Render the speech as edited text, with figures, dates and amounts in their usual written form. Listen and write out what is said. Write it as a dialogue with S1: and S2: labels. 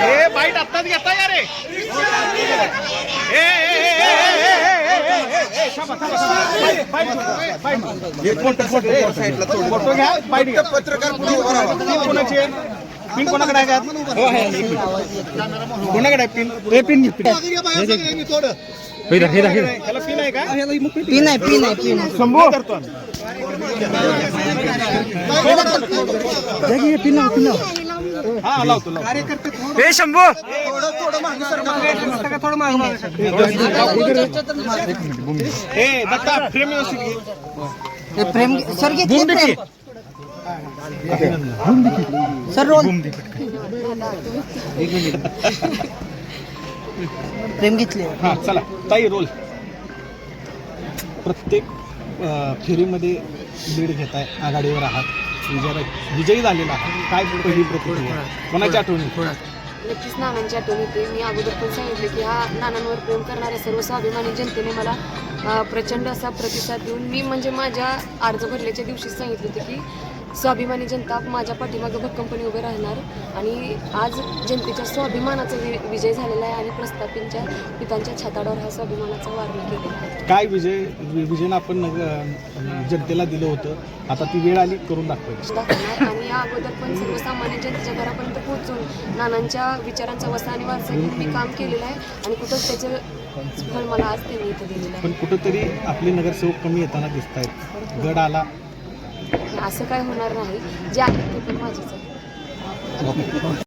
S1: Bite आत्ताच घेता या रे. फोटो घ्या. बाईट पत्रकार कोणाची आहे? पिन कोणाकडे आहे का? कोणाकडे आहे पिन? पिन त्याला पिन आहे का?
S2: पिन आहे
S1: शंभू करतो हा लावतो.
S3: हे शंभू
S1: हे दत्ता फ्रेम व्यवस्थित घे.
S2: प्रेम सर घेतली सर रोल प्रेम घेतले.
S1: हा चला ताई रोल. प्रत्येक फेरीमध्ये लीड घेताय, आघाडीवर आहात, विजयी झालेला आहात. काय पहिली प्रतिक्रिया, कोणाच्या आठवणी?
S4: नक्कीच नानांची आठवण येते. मी अगोदर पण सांगितलं की हा नानांवर प्रेम करणाऱ्या सर्व स्वाभिमानी जनतेने मला प्रचंड असा प्रतिसाद देऊन मी म्हणजे माझ्या अर्ज भरल्याच्या दिवशीच सांगितलं होतं की स्वाभिमानी जनता माझ्या पाठीमागं भक्कमपणे उभे राहणार आणि आज जनतेच्या स्वाभिमानाचा विजय झालेला आहे आणि प्रस्थापितांच्या पितांच्या छाताडावर हा स्वाभिमानाचा वारणी केलेला आहे.
S1: काय विजन आपण जनतेला दिलं होतं, आता ती वेळ आली करून
S4: दाखवणार आणि या अगोदर पण सर्वसामान्य जनतेच्या घरापर्यंत पोहोचून नानांच्या विचारांचा वसा आणि वारसा घेऊन मी काम केलेलं आहे आणि कुठंच त्याचं फळ मला आज त्यांनी इथं दिलेलं आहे.
S1: पण कुठंतरी आपले नगरसेवक कमी येताना दिसत आहेत. गड आला
S4: असं काय होणार नाही. जे आहे ते पण माझेच आहे.